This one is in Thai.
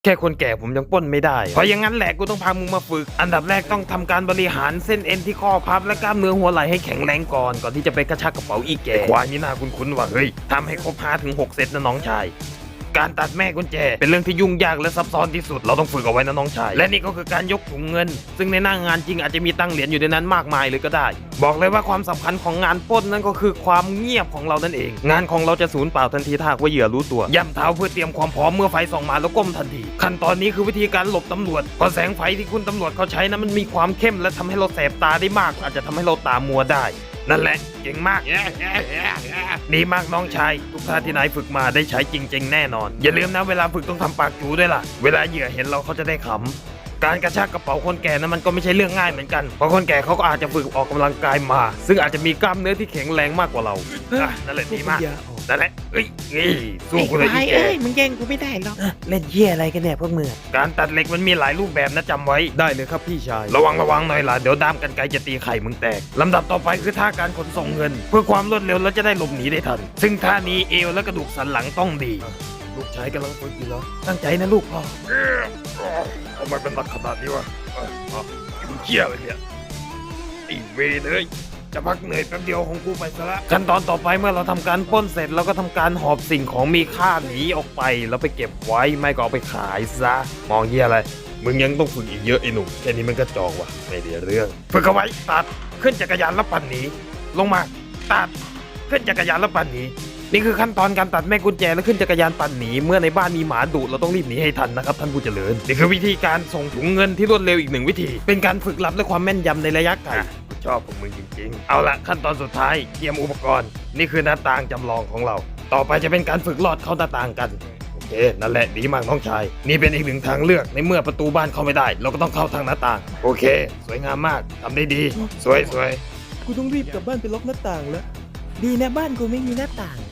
แค่คนแก่ผมยังปล้นไม่ได้เพราะอย่างนั้นแหละกูต้องพามึงมาฝึกอันดับแรกต้องทำการบริหารเส้นเอ็นที่ข้อพับและกล้ามเนื้อหัวไหล่ให้แข็งแรงก่อนที่จะไปกระชากกระเป๋าอีแก่ควายนี่น่าคุ้นๆว่าเฮ้ยทำให้ครบ5-6 เซตนะน้องชายการตัดแม่กุญแจเป็นเรื่องที่ยุ่งยากและซับซ้อนที่สุดเราต้องฝึกเอาไว้นะน้องชายและนี่ก็คือการยกถุงเงินซึ่งในหน้างานจริงอาจจะมีตังเหรียญอยู่ในนั้นมากมายเลยก็ได้บอกเลยว่าความสำคัญของงานปล้นนั่นก็คือความเงียบของเรานั่นเองงานของเราจะสูญเปล่าทันทีถ้าหากว่าเหยื่อรู้ตัวย่ำเท้าเพื่อเตรียมความพร้อมเมื่อไฟส่องมาแล้วก้มทันทีขั้นตอนนี้คือวิธีการหลบตำรวจเพราะแสงไฟที่คุณตำรวจเขาใช้นั้นมันมีความเข้มและทำให้เราแสบตาได้มากอาจจะทำให้เราตามัวได้นั่นแหละเก่งมากดีมากน้องชายทุกท่าที่นายฝึกมาได้ใช้จริงๆแน่นอนอย่าลืมนะเวลาฝึกต้องทำปากจูด้วยล่ะเวลาเหยื่อเห็นเราเขาจะได้ขำการกระชากกระเป๋าคนแก่นั้นมันก็ไม่ใช่เรื่องง่ายเหมือนกันเพราะคนแก่เขาก็อาจจะฝึกออกกำลังกายมาซึ่งอาจจะมีกล้ามเนื้อที่แข็งแรงมากกว่าเรานั่นแหละดีมากนั่นแหละสู้กูเลยอีแกมึงแย่งกูไม่ได้หรอกเล่นเหี้ยอะไรกันเนี่ยพวกมึงการตัดเหล็กมันมีหลายรูปแบบนะจำไว้ได้เลยครับพี่ชายระวังหน่อยล่ะเดี๋ยวด้ามกันไกรจะตีไข่มึงแตกลำดับต่อไปคือท่าการขนส่งเงิน เพื่อความรวดเร็วและจะได้หลบหนีได้ทันซึ่งท่านี้เอวและกระดูกสันหลังต้องดีลูกชายกำลังฝึกอยู่เหรอตั้งใจนะลูกพ่อทำไมเป็นหนักขนาดนี้วะมึงเชี่ยอะไรเนี่ยไอ้เวรเลยจะพักเหนื่อยแป๊บเดียวของกูไปซะละขั้นตอนต่อไปเมื่อเราทำการปล้นเสร็จเราก็ทำการหอบสิ่งของมีค่าหนีออกไปแล้วไปเก็บไว้ไม่ก็เอาไปขายซะมองเฮียอะไรมึงยังต้องฝึกอีกเยอะไอ้หนุ่มแค่นี้มันก็จอกว่ะไม่ได้เรื่องฝึกเอาไว้ตัดขึ้นจักรยานแล้วปั่นหนีลงมาตัดขึ้นจักรยานแล้วปั่นหนีนี่คือขั้นตอนการตัดแม่กุญแจและขึ้นจักรยานปั่นหนีเมื่อในบ้านมีหมาดุเราต้องรีบหนีให้ทันนะครับท่านผู้เจริญนี่คือวิธีการส่งถุงเงินที่รวดเร็วอีกหนึ่งวิธีเป็นการฝึกลับและความแม่นยำในระยะไกลชอบพวกมึงจริงๆเอาละขั้นตอนสุดท้ายเตรียมอุปกรณ์นี่คือหน้าต่างจำลองของเราต่อไปจะเป็นการฝึกลอดเข้าหน้าต่างกันโอเคนั่นแหละดีมากน้องชายนี่เป็นอีกหนึ่งทางเลือกในเมื่อประตูบ้านเข้าไม่ได้เราก็ต้องเข้าทางหน้าต่างโอเคสวยงามมากทำได้ดีสวยกูต้องรีบกลับบ้านไปล็อกหน้าต่างแล้ว ดีนะบ้านกูไม่มีหน้าต่าง